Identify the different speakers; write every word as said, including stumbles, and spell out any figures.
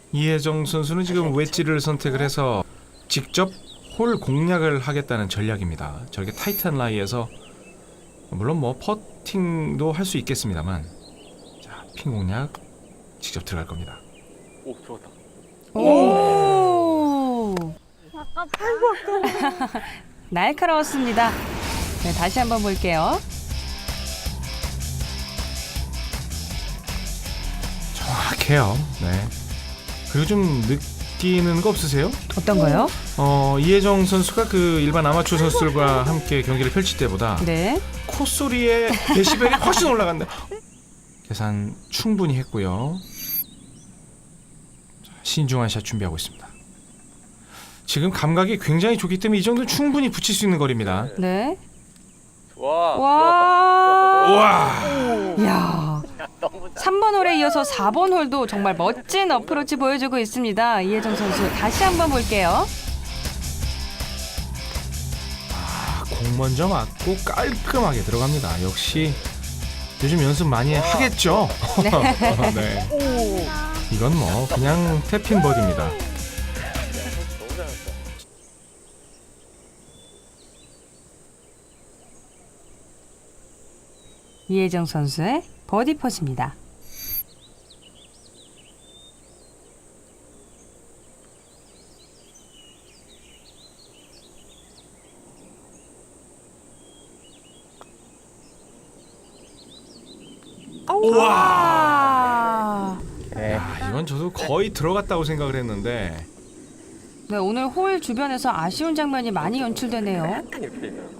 Speaker 1: 이혜정 선수는 지금 웨지를 선택을 해서 직접 홀 공략을 하겠다는 전략입니다. 저렇게 타이트한 라이에서 물론 뭐 퍼팅도 할 수 있겠습니다만, 자, 핀 공략 직접 들어갈 겁니다.
Speaker 2: 오, 좋았다.
Speaker 3: 오.
Speaker 4: 아깝다.
Speaker 3: 날카로웠습니다. 네, 다시 한번 볼게요.
Speaker 1: 정확해요. 네. 그리고 좀 느끼는 거 없으세요?
Speaker 3: 어떤 거요?
Speaker 1: 어, 이혜정 선수가 그 일반 아마추어 선수들과 함께 경기를 펼칠 때보다
Speaker 3: 네.
Speaker 1: 콧소리의 데시벨이 훨씬 올라간다. 계산 충분히 했고요. 자, 신중한 샷 준비하고 있습니다. 지금 감각이 굉장히 좋기 때문에 이 정도는 충분히 붙일 수 있는 거리입니다.
Speaker 3: 네.
Speaker 2: 와.
Speaker 3: 와.
Speaker 1: 우와!
Speaker 3: 야. 삼 번 홀에 이어서 사 번 홀도 정말 멋진 어프로치 보여주고 있습니다. 이혜정 선수 다시 한번 볼게요.
Speaker 1: 아, 공 먼저 맞고 깔끔하게 들어갑니다. 역시 요즘 연습 많이 하겠죠? 네. 이건 뭐 그냥 태핑 버디입니다.
Speaker 2: 너무 잘했다.
Speaker 3: 이혜정 선수의 버디 퍼즈입니다.
Speaker 1: 우와!
Speaker 3: 네.
Speaker 1: 야, 이건 저도 거의 들어갔다고 생각을 했는데
Speaker 3: 네, 오늘 홀 주변에서 아쉬운 장면이 많이 연출되네요.
Speaker 2: 약간 이렇게 돼 있더라고.